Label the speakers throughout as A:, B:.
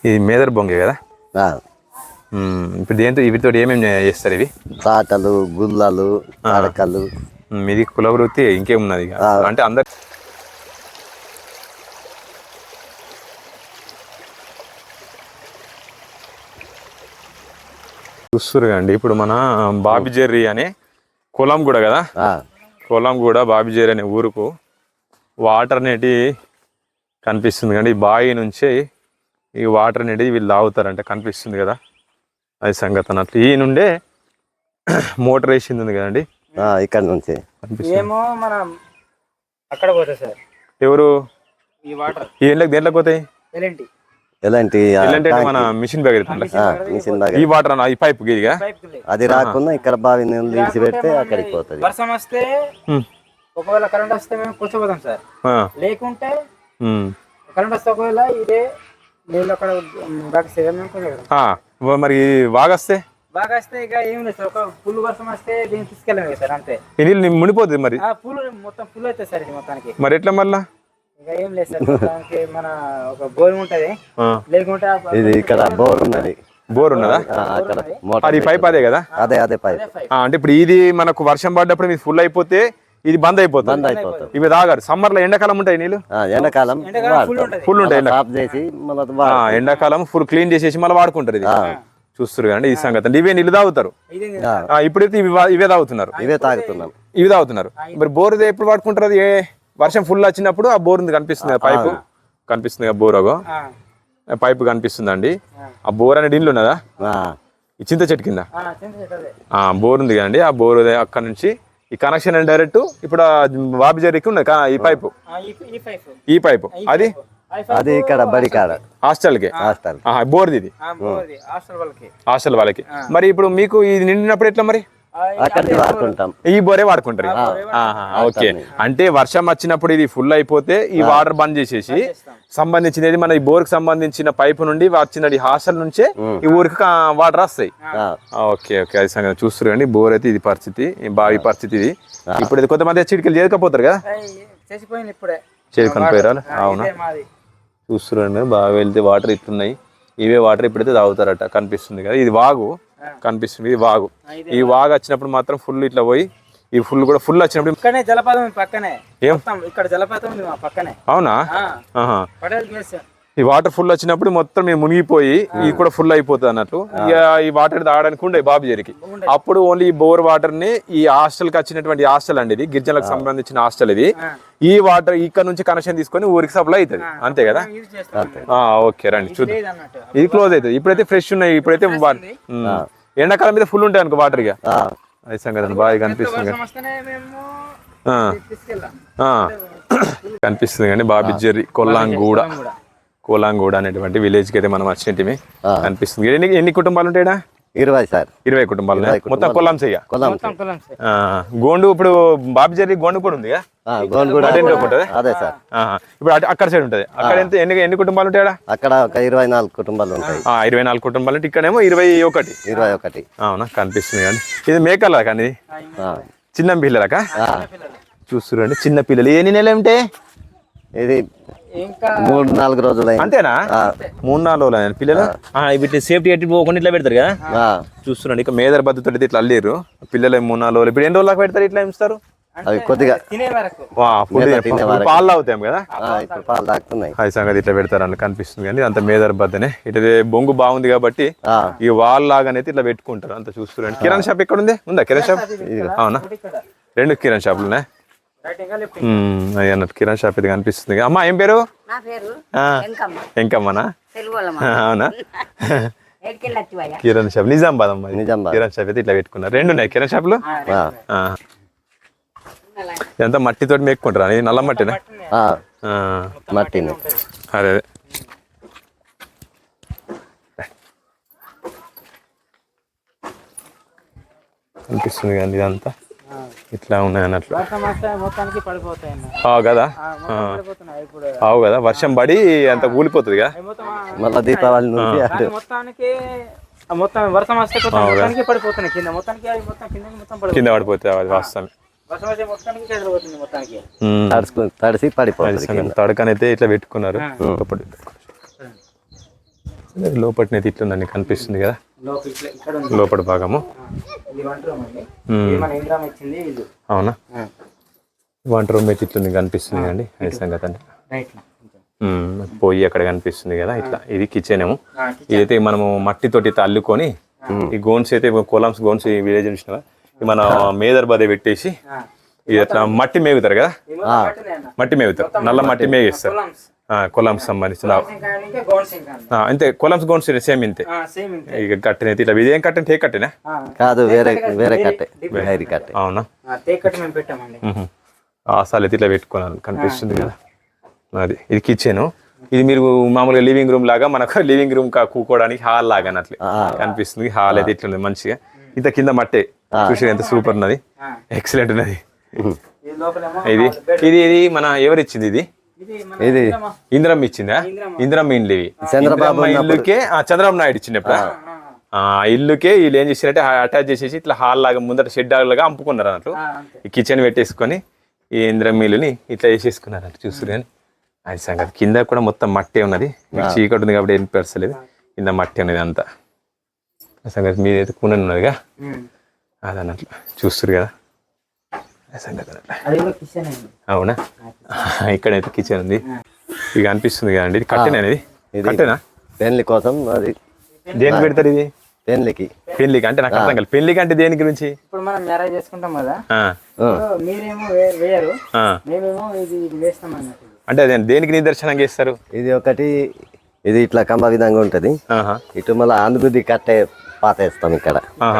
A: ఇది మేదర్ బొంగే కదా. ఇప్పుడు దేంతో వీటితో ఏమేమి చేస్తారు ఇవి?
B: తాటలు, గుల్లలు, అడకలు.
A: ఇది కుల వృత్తి, ఇంకేమున్నది అంటే అందరు చూస్తురుగా అండి. ఇప్పుడు మన బాబిజెర్రి అనే కులం కూడా కదా, కులం కూడా బాబిజెర్రి అనే ఊరుకు వాటర్ అనేటి కనిపిస్తుంది కండి. ఈ బావి నుంచి ఈ వాటర్ అనేది వీళ్ళు తాగుతారంటే కనిపిస్తుంది కదా, అది సంగతి అన్నట్లు. ఈ నుండే మోటార్ వేసింది ఉంది కదండి
B: ఇక్కడ నుంచి.
A: ఎవరు ఈ ఎండ్లకు దేంట్లోకి పోతాయి?
B: ఎలాంటి
A: మన మిషన్ బ్యాగ్ ఈ వాటర్ ఈ పైప్ గీదిగా
B: అది రాకుండా ఇక్కడ బావి తీసి పెడితే అక్కడికి పోతుంది.
C: వర్షం వస్తే ఒకవేళ కరెంట్ వస్తే మేము కూర్చోపోతాం సార్, లేకుంటే కరెంట్ వస్తే ఒకవేళ ఇదే నీళ్ళు అక్కడ
A: మరి వాగొస్తే
C: ఇక ఏం లేదు సార్. ఒక ఫుల్ వర్షం వస్తే దీన్ని తీసుకెళ్ళాము సార్, అంతే.
A: ఈ నీళ్ళు మునిపోతుంది మరి,
C: ఫుల్ మొత్తం ఫుల్ అవుతుంది సార్ ఇది మొత్తానికి.
A: మరి ఎట్లా మళ్ళా?
C: ఇక ఏం లేదు సార్, మొత్తానికి మన ఒక బోర్ ఉంటది, లేకుంటే
B: ఇది ఇక్కడ బోర్ ఉన్నది.
A: బోర్ ఉన్నదా? అది పైప్ అదే కదా?
B: అదే పైప్.
A: అంటే ఇప్పుడు ఇది మనకు వర్షం పడ్డప్పుడు ఇది ఫుల్ అయిపోతే ఇది బంద్ అయిపోతుంది. ఇవి తాగారు. సమ్మర్ లో ఎండాకాలం ఉంటాయి నీళ్ళు,
B: ఎండాకాలం
A: ఫుల్ ఉంటాయి. ఎండాకాలం ఫుల్ క్లీన్ చేసేసి మళ్ళీ వాడుకుంటారు. ఇది చూస్తారు కానీ ఈ సంగతి అంటే ఇవే నీళ్ళు తాగుతారు. ఇప్పుడైతే ఇవే తాగుతున్నారు. ఇవి తాగుతున్నారు. మరి బోర్ ఎప్పుడు వాడుకుంటారు? అది వర్షం ఫుల్ వచ్చినప్పుడు ఆ బోర్ కనిపిస్తుంది, పైపు కనిపిస్తుంది కదా, బోర్ పైపు కనిపిస్తుందండి. ఆ బోర్ అనే నీళ్ళు ఉన్నదా? ఈ చింత చెట్టు కింద బోర్ ఉంది కదండి. ఆ బోర్ అక్కడ నుంచి ఈ కనెక్షన్ డైరెక్ట్ ఇప్పుడు బాబిజెర్రికి ఉన్నది ఈ పైపు. ఈ పైపు అది
B: ఇక్కడ బడి కాడ
A: హాస్టల్ కి బోర్ది, ఇది హాస్టల్ వాళ్ళకి. మరి ఇప్పుడు మీకు ఇది నిండినప్పుడు ఎట్లా మరి? ఈ బోరే వాడుకుంటారు. ఓకే, అంటే వర్షం వచ్చినప్పుడు ఇది ఫుల్ అయిపోతే ఈ వాటర్ బంద్ చేసేసి సంబంధించినది మన ఈ బోర్ కి సంబంధించిన పైపు నుండి వచ్చినది హాస్టల్ నుంచే ఈ ఊరికి వాటర్ వస్తాయి. ఓకే ఓకే, అది సంగతి చూస్తారు కానీ బోర్ అయితే ఇది పరిస్థితి, బావి పరిస్థితి ఇది. ఇప్పుడు కొంతమంది చిటికలు చేరుకపోతారు కదా, చేరుకొని పోయారు. అవునా, చూస్తురండి. బాగా వెళ్తే వాటర్ ఇట్లున్నాయి. ఇవే వాటర్ ఇప్పుడైతే తాగుతారట. కనిపిస్తుంది కదా, ఇది వాగు కనిపిస్తుంది. ఇది వాగు. ఈ వాగు వచ్చినప్పుడు మాత్రం ఫుల్ ఇట్లా పోయి ఈ ఫుల్ కూడా ఫుల్ వచ్చినప్పుడు
C: జలపాతం పక్కనే, ఇక్కడ జలపాతం పక్కనే.
A: అవునా? ఈ వాటర్ ఫుల్ వచ్చినప్పుడు మొత్తం మేము మునిగిపోయి ఇది కూడా ఫుల్ అయిపోతుంది అన్నట్టు. ఇక ఈ వాటర్ తాగడానికి ఉండే బాబిజెర్రికి. అప్పుడు ఓన్లీ ఈ బోర్ వాటర్ ని ఈ హాస్టల్ కి వచ్చినటువంటి హాస్టల్ అండి, ఇది గిరిజనులకు సంబంధించిన హాస్టల్. ఇది ఈ వాటర్ ఇక్కడ నుంచి కనెక్షన్ తీసుకొని ఊరికి సప్లై అవుతుంది, అంతే కదా? ఓకే రండి చూద్దాం. ఇది క్లోజ్ అవుతుంది. ఇప్పుడైతే ఫ్రెష్ ఉన్నాయి. ఇప్పుడైతే ఎండాకాలం మీద ఫుల్ ఉంటాయి అనుకో వాటర్. ఇక అది సంగతి బాగా కనిపిస్తుంది కనిపిస్తుంది కానీ బాబిజెర్రి కోలాంగూడ అనేటువంటి విలేజ్ కి అయితే మనం వచ్చినట్టు కనిపిస్తుంది. ఎన్ని కుటుంబాలు ఉంటాయా?
B: 20 సార్.
A: 20 కుటుంబాలు మొత్తం కొల్లాంస. గోండు ఇప్పుడు బాబిజెర్రి గోండు కూడా ఉంది. ఇప్పుడు అక్కడ సైడ్ ఉంటది. అక్కడ ఎంత ఎన్ని కుటుంబాలు ఉంటాయా?
B: అక్కడ 24 కుటుంబాలు ఉంటాయి.
A: 24 కుటుంబాలు అంటే ఇక్కడేమో 21. అవునా, కనిపిస్తుంది కానీ ఇది మేకల కానీ చిన్న పిల్లలకా? చూస్తురండి, చిన్న పిల్లలు. ఎన్ని నెలలు ఉంటే?
B: ఇది 3-4 రోజులు.
A: అంతేనా? 3-4 రోజులు పిల్లలు. వీటిని సేఫ్టీ ఎట్టి పోకుండా ఇట్లా పెడతారు కదా, చూస్తున్నాండి. ఇక మేదర్ బద్దతో ఇట్లా అల్లేరు పిల్లలు. 3-4 రోజులు. ఇప్పుడు ఎన్ని రోజులకు పెడతారు ఇట్లా ఇస్తారు?
B: అవి కొద్దిగా
A: పాలు తాగుతాం కదా,
B: పాలు తాగుతున్నాయి.
A: అది సంగతి ఇట్లా పెడతారు అని కనిపిస్తుంది కానీ అంత మేదర్ బద్దనే. ఇటు బొంగు బాగుంది కాబట్టి ఈ వాల్ లాగానైతే ఇట్లా పెట్టుకుంటారు అంత. చూస్తున్నాండి. కిరాణా షాప్ ఎక్కడ ఉంది? ఉందా కిరాణా షాప్? అవునా, 2 కిరాణా షాపులు ఉన్నాయి అన్నట్టు. కిరాణా షాప్ ఇది కనిపిస్తుంది. అమ్మా ఏం పేరు? ఎంకమ్మనా? అవునా, కిరాణా షాప్ నిజామాబాద్ అమ్మా. కిరాణా షాప్ అయితే ఇట్లా పెట్టుకున్నారు. 2 ఉన్నాయి కిరాణా షాపులు. ఇదంతా మట్టితోటి మేక్కుంటారా? నల్ల మట్టినా?
B: మట్టిని.
A: అదే అనిపిస్తుంది కానీ ఇదంతా ఇట్లా ఉన్నాయి అన్నట్లు కదా. అవు కదా, వర్షం పడి అంత కూలిపోతుంది కదా
B: మళ్ళీ దీపావళి నుంచి.
A: కింద పడిపోతే అది వాస్తవం.
B: తడిసి పడిపోతుంది.
A: తడకనైతే ఇట్లా పెట్టుకున్నారు. లోపటినైతే ఇట్లుందండి కనిపిస్తుంది కదా
C: లోపల ఇక్కడ ఉంది.
A: లోపల భాగము.
C: ఇది వంట రూమ్ అండి. ఇది మన ఇంద్రామ ఇచ్చింది ఇది.
A: అవునా, వంట రూమ్ అయితే ఇట్లుంది కనిపిస్తుంది అండి. అది సంగతి అండి.
C: రైట్
A: పోయి అక్కడ కనిపిస్తుంది కదా ఇట్లా. ఇది కిచెన్ ఏమో. ఇదైతే మనము మట్టితోటి ఇట్లా అల్లుకొని ఈ గోన్స్ అయితే కొలామ్స్ గోన్స్ ఈ విలేజ్ చూసినా మన మేదర్ బదే పెట్టేసి ఇది అట్లా మట్టి మేగుతారు కదా, మట్టి మేగుతారు, నల్ల మట్టి మేగిస్తారు. కొలామ్స్ సంబంధించిన అంతే. కొలామ్స్ గోన్స్ సేమ్ ఇంతే. ఇక కట్టెనైతే ఇట్లా ఇదేం కట్టె టేక్ కట్టెనా
B: కాదు, వేరే వేరే కట్టే, హైరీ కట్టే.
A: అవునా, అసలు అయితే ఇట్లా పెట్టుకున్నాను కనిపిస్తుంది కదా. అది ఇది కిచెన్. ఇది మీరు మామూలుగా లివింగ్ రూమ్ లాగా మనకు లివింగ్ రూమ్ కూకోవడానికి హాల్ లాగా అన్నట్లు కనిపిస్తుంది. హాల్ అయితే ఇట్లా మంచిగా ఇంత కింద మట్టే చూసి ఎంత సూపర్ ఉన్నది, ఎక్సలెంట్ ఉన్నది. ఇది ఇది ఇది మన ఎవరిచ్చింది ఇది?
B: ఇది
A: ఇందిరమ్మ ఇచ్చిందా? ఇందిరమ్మ ఇండ్లు ఇవి.
B: చంద్రబాబు
A: ఇల్లుకే చంద్రబాబు నాయుడు ఇచ్చినప్పుడు ఆ ఇల్లుకే వీళ్ళు ఏం చేసినట్టే అటాచ్ చేసేసి ఇట్లా హాల్ లాగా ముందట షెడ్ లాగా అమ్ముకున్నారు అన్నట్లు. ఈ కిచెన్ పెట్టేసుకొని ఈ ఇందిరమ్మ ఇల్లుని ఇట్లా వేసేసుకున్నారు అన్నట్టు చూస్తారు. కానీ అది సంగతి కింద కూడా మొత్తం మట్టే ఉన్నది. మీకు చీకటి ఉంది కాబట్టి ఏం పెరసలేదు, కింద మట్టి ఉన్నది అంతా. సంగతి మీదైతే కూన ఉన్నదిగా అది అన్నట్లు చూస్తారు కదా. సంగతి అవునా, ఇక్కడైతే కిచెన్ ఉంది. ఇక అనిపిస్తుంది కదండి. ఇది కట్టెనా? అనేది కట్టెనా?
B: పెళ్లి కోసం అది.
A: దేనికి పెడతారు ఇది?
B: పెళ్లికి.
A: పెళ్లికి అంటే నాకు అర్థం కాదు. పెళ్లికి అంటే దేని గురించి?
C: ఇప్పుడు మనం మ్యారేజ్ చేసుకుంటాం కదా, మీరేమో వేయరు, మేమేమో ఇది వేస్తాం అన్నట్టు.
A: అంటే అదే దేనికి నిదర్శనం చేస్తారు?
B: ఇది ఒకటి, ఇది ఇట్లా కంబ విధంగా ఉంటది. ఇటు మళ్ళీ అందుకుది కట్టే పాత వేస్తాం ఇక్కడ.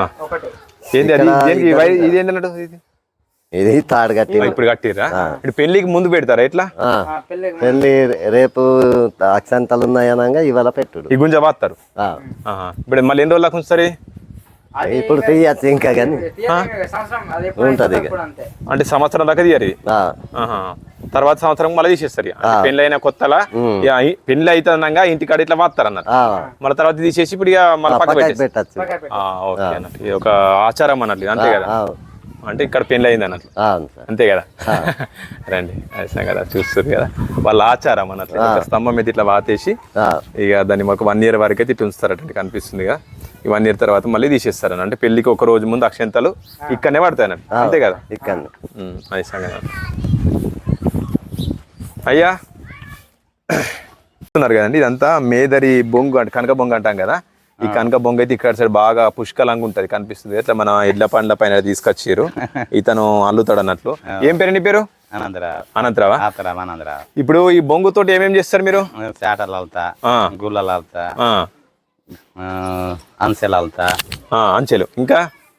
B: ఇది తాడు కట్టి
A: ఇప్పుడు కట్టిరా? ఇప్పుడు పెళ్లికి ముందు పెడతారా ఇట్లా?
B: పెళ్లి రేపు అక్షంతలు ఉన్నాయనగా ఇవాళ పెట్టుడు.
A: ఈ గుంజ బాస్తారు. ఇప్పుడు మళ్ళీ ఎన్ని రోజులకు ఉంచుతారు?
B: ఇప్పుడు తీయచ్చు ఇంకా కానీ ఉంటది ఇక.
A: అంటే సంవత్సరం దాకా తీయరు. తర్వాత సంవత్సరం మళ్ళీ తీసేస్తారు. పెళ్లి అయిన కొత్తలా పెళ్లి అవుతుండగా ఇంటికాడ ఇట్లా వాస్తారు అన్నారు. మళ్ళీ తర్వాత తీసేసి ఇప్పుడు ఇక మళ్ళీ పక్క
B: పెట్టచ్చు.
A: ఓకే అన్నట్టు. ఇది ఒక ఆచారం అన్నట్లు, అంతే కదా. అంటే ఇక్కడ పెళ్లి అయింది అన్నట్లు, అంతే కదా. రండి అది కదా చూస్తారు కదా వాళ్ళ ఆచారం అన్నట్లు. స్తంభం మీద ఇట్లా వాతేసి ఇక దాన్ని మాకు 1 year వరకు అయితే ఇట్లా ఉంచుతారట కనిపిస్తుంది కదా. ఈ 1 year తర్వాత మళ్ళీ తీసేస్తారు. అంటే పెళ్లికి ఒక రోజు ముందు అక్షంతలు ఇక్కడనే పడతాయి అన్నట్టు, అంతే కదా.
B: ఇక్కడ
A: అది సంగతి. అయ్యా చూస్తున్నారు కదండి, ఇదంతా మేదరి బొంగు అంటే కనక బొంగు అంటాం కదా. ఈ కనక బొంగు అయితే ఇక్కడ సైడ్ బాగా పుష్కలంగా ఉంటది కనిపిస్తుంది. ఇట్లా మన ఎడ్ల పండ్ల పైన తీసుకొచ్చారు. ఇతను అల్లుతాడు అన్నట్లు. ఏం పేరు నీ పేరు? అనంతరావా? ఇప్పుడు ఈ బొంగుతోటి ఏమేమి చేస్తారు మీరు?
D: చాటలు అల్తా, గుళ్ళలు అల్తా, అంచెలు అల్తా.
A: అంచెలు ఇంకా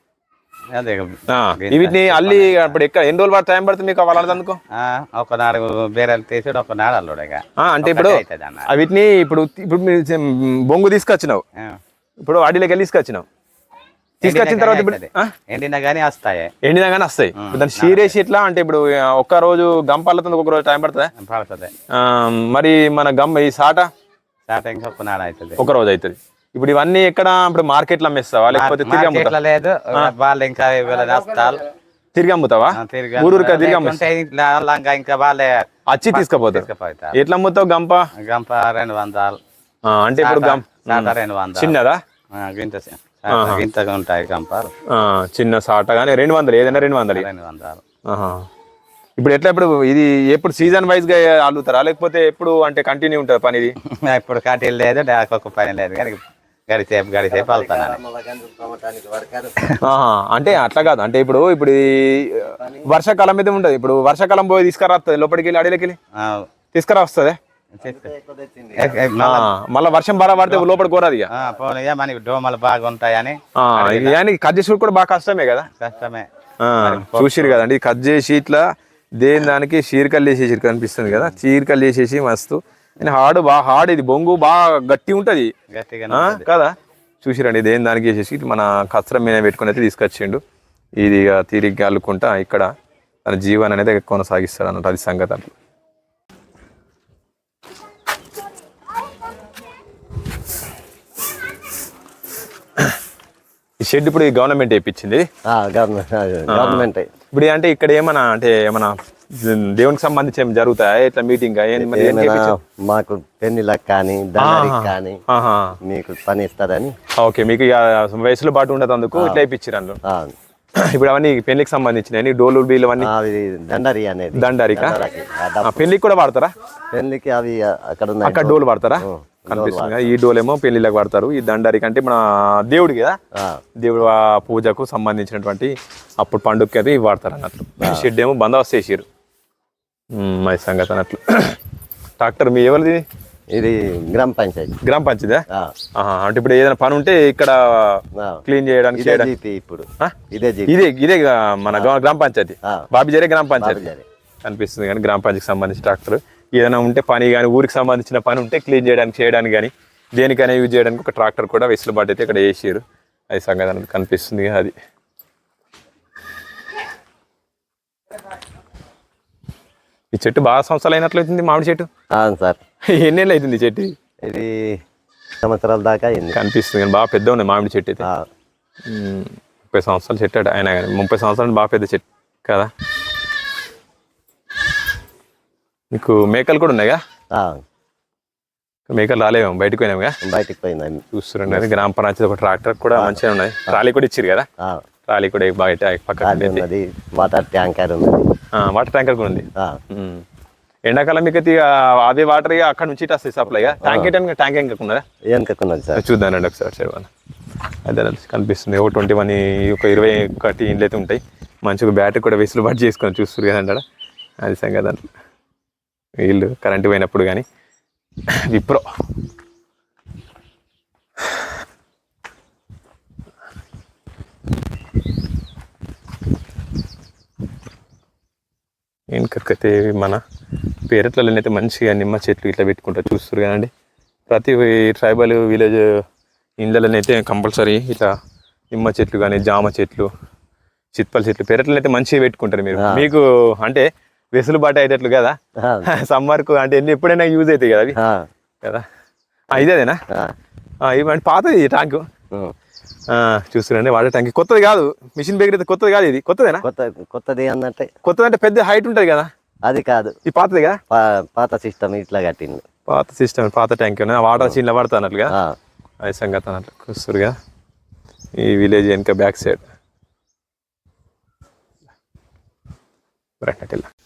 A: వీటిని అల్లి అప్పుడు ఎక్కడ ఎన్ని రోజులు టైం పడుతుంది మీకు వాళ్ళందుకు?
D: ఒకనాడు బేరలు తీసాడు, ఒకనాడు అల్లుడుగా.
A: అంటే ఇప్పుడు వీటిని ఇప్పుడు ఇప్పుడు మీరు బొంగు తీసుకొచ్చినావు, ఇప్పుడు అడిలోకి వెళ్ళి తీసుకొచ్చినావు. తీసుకొచ్చిన తర్వాత ఇప్పుడు
D: ఎండినా గానీ వస్తాయి.
A: ఎండినా గానీ వస్తాయి. దాన్ని షీరేసి ఎట్లా అంటే ఇప్పుడు ఒక్క రోజు గంపల్లతో ఒక రోజు టైం పడుతుంది. మరి మన గమ్ ఈ సాట
D: ఇంకా ఒకనాడు అవుతుంది,
A: ఒక రోజు అవుతుంది. ఇప్పుడు ఇవన్నీ ఎక్కడ ఇప్పుడు మార్కెట్ లో అమ్మేస్తావా లేకపోతే తిరిగి అమ్ముతావా?
D: లేదు, వాళ్ళు ఇంకా
A: తిరిగి అమ్ముతావా? ఊరూరుకా తిరిగి
D: ఇంకా వాళ్ళే
A: వచ్చి తీసుకుపోతారు. ఎట్లా అమ్ముతావు? గంప
D: 200.
A: అంటే ఇప్పుడు
D: 200
A: చిన్నదా?
D: ఇంతగా ఉంటాయి గంపాలు.
A: చిన్న సాట కానీ 200, ఏదైనా 200. ఇప్పుడు ఎట్లా ఇప్పుడు ఇది ఎప్పుడు సీజన్ వైజ్ గా అల్లుతారా లేకపోతే ఎప్పుడు అంటే కంటిన్యూ ఉంటుంది పని? ఇది
D: ఇప్పుడు కటీలు లేదు, ఒక్క పని లేదు కానీ గడిసేపు వెళ్తాను.
A: అంటే అట్లా కాదు. అంటే ఇప్పుడు వర్షాకాలం మీద ఉంటది. ఇప్పుడు వర్షాకాలం పోయి తీసుకురాస్తుంది లోపలికి వెళ్ళి అడిలోకి వెళ్ళి తీసుకురా వస్తుంది. మళ్ళీ వర్షం బాగా పడితే లోపల కోరాది.
D: మనకి డోమలు బాగుంటాయని
A: కట్ చేసి కూడా బాగా కష్టమే కదా.
D: కష్టమే.
A: చూసిరు కదండి, కట్ చేసి ఇట్లా దేని దానికి చీరకల్లు వేసేసి కనిపిస్తుంది కదా. చీరకల్లు వేసేసి మస్తు హార్డ్, బాగా హార్డ్. ఇది బొంగు బాగా గట్టి ఉంటది కదా. చూసిరండి, దేని దానికి వేసేసి మన కచ్చరం మీద పెట్టుకుని అయితే తీసుకొచ్చిండు. ఇది తీరిగ్గా అల్లుకుంటా ఇక్కడ తన జీవనం అనేది కొనసాగిస్తాడు అన్నట్టు. అది సంగతి. అట్లా ఈ షెడ్ ఇప్పుడు గవర్నమెంట్ వేయించింది.
B: గవర్నమెంట్
A: ఇప్పుడు అంటే ఇక్కడ ఏమన్నా దేవునికి సంబంధించి ఏమి జరుగుతాయా ఇట్లా మీటింగ్
B: ఏమైనా మాకు పెళ్లిలకు కానీ దండరికి కానీ మీకు పని ఇస్తారని.
A: ఓకే, మీకు ఇక వయసులో పాటు ఉండదు అందుకు ఇట్లా వేయించారు అందులో. ఇప్పుడు అవన్నీ పెళ్లికి సంబంధించినవి డోలు బీలు అవన్నీ
B: దండరి అనేది.
A: దండరికా పెళ్లికి కూడా వాడతారా?
B: పెళ్లికి అవి అక్కడ
A: డోలు వాడతారా? కనిపిస్తుంది. ఈ డోల్ ఏమో పెళ్లిళ్ళకి వాడతారు. ఈ దండరికి అంటే మన దేవుడికి కదా, దేవుడు పూజకు సంబంధించినటువంటి అప్పుడు పండుగకి అది వాడతారు అన్నట్లు. షెడ్ ఏమో బందోబస్తు చేసారు మరి సంగతి అన్నట్లు. ట్రాక్టర్ మీ ఎవరిది?
B: ఇది గ్రామ పంచాయతీ.
A: గ్రామ పంచాయతీ అంటే ఇప్పుడు ఏదైనా పని ఉంటే ఇక్కడ క్లీన్ చేయడానికి
B: ఇప్పుడు
A: ఇదే మన గ్రామ పంచాయతీ బాబిజరే గ్రామ పంచాయతీ కనిపిస్తుంది. కానీ గ్రామ పంచాయతీకి సంబంధించిన ట్రాక్టర్ ఏదైనా ఉంటే పని కానీ ఊరికి సంబంధించిన పని ఉంటే క్లీన్ చేయడానికి కానీ దేనికైనా యూజ్ చేయడానికి ఒక ట్రాక్టర్ కూడా వెసులుబాటు అయితే ఇక్కడ వేసారు. అది సంగతి అనేది కనిపిస్తుంది. అది ఈ చెట్టు బాగా సంవత్సరాలు అయినట్లయితుంది మామిడి చెట్టు.
B: సార్
A: ఎన్నేళ్ళు అవుతుంది చెట్టు?
B: ఇది సంవత్సరాల దాకా
A: కనిపిస్తుంది. కానీ బాగా పెద్ద ఉంది మామిడి చెట్టు అయితే. 30 సంవత్సరాలు చెట్టు అయినా కానీ 30 సంవత్సరాలు బాగా పెద్ద చెట్టు కదా. మీకు మేకలు కూడా ఉన్నాయిగా? మేకలు రాలేము, బయటకు పోయినాముగా.
B: బయటకు పోయినా
A: చూస్తున్నాను. గ్రామ పంచాయతీ ఒక ట్రాక్టర్ కూడా మంచిగా ఉన్నాయి. ట్రాలీ కూడా ఇచ్చారు కదా. ట్రాలీ కూడా బయట పక్కన
B: వాటర్ ట్యాంకర్ ఉంది.
A: వాటర్ ట్యాంకర్ కూడా ఉంది. ఎండాకాలం మీకు అదే వాటర్ అక్కడ నుంచి ఇటు వస్తాయి సప్లైగా. Tank
B: ఎంకకున్నది sir.
A: చూద్దానండి ఒకసారి. అదే కనిపిస్తుంది. ఒక 21 ఒక 21 ఇండ్లు అయితే ఉంటాయి. మంచిగా బ్యాటరీ కూడా వెసులుబాటు చేసుకొని చూస్తారు కదండి. అది సంగతి. వీళ్ళు కరెంటు పోయినప్పుడు కానీ విప్రో ఇంకైతే మన పేరట్లలోనైతే మంచిగా నిమ్మ చెట్లు ఇట్లా పెట్టుకుంటారు చూస్తారు కదండి. ప్రతి ట్రైబల్ విలేజ్ ఇండ్లలోనైతే కంపల్సరీ ఇట్లా నిమ్మ చెట్లు కానీ జామ చెట్లు చిత్పల చెట్లు పేరట్లనైతే మంచిగా పెట్టుకుంటారు మీరు. మీకు అంటే వెసులుబాటు అయ్యేటట్లు కదా సమ్మర్కు అంటే ఎప్పుడైనా యూజ్ అవుతాయి కదా అవి కదా. ఇదేనా ఇవంటే పాతది ట్యాంకు చూస్తున్నాండి. వాటర్ ట్యాంక్ కొత్తది కాదు, మిషన్ బేగర్ అయితే కొత్తది కాదు. ఇది కొత్తదేనా?
B: కొత్తది అన్నట్టే.
A: కొత్తది అంటే పెద్ద హైట్ ఉంటుంది కదా.
B: అది కాదు,
A: ఇది పాతది కదా.
B: పాత సిస్టమ్ ఇట్లా కట్టింది.
A: పాత సిస్టమ్ పాత ట్యాంక్ వాటర్ చీన్లో పడతా అన్నట్లుగా అది సంగతి అన్నట్లు చూస్తారు కదా. ఈ విలేజ్ వెనక బ్యాక్ సైడ్ రైట్.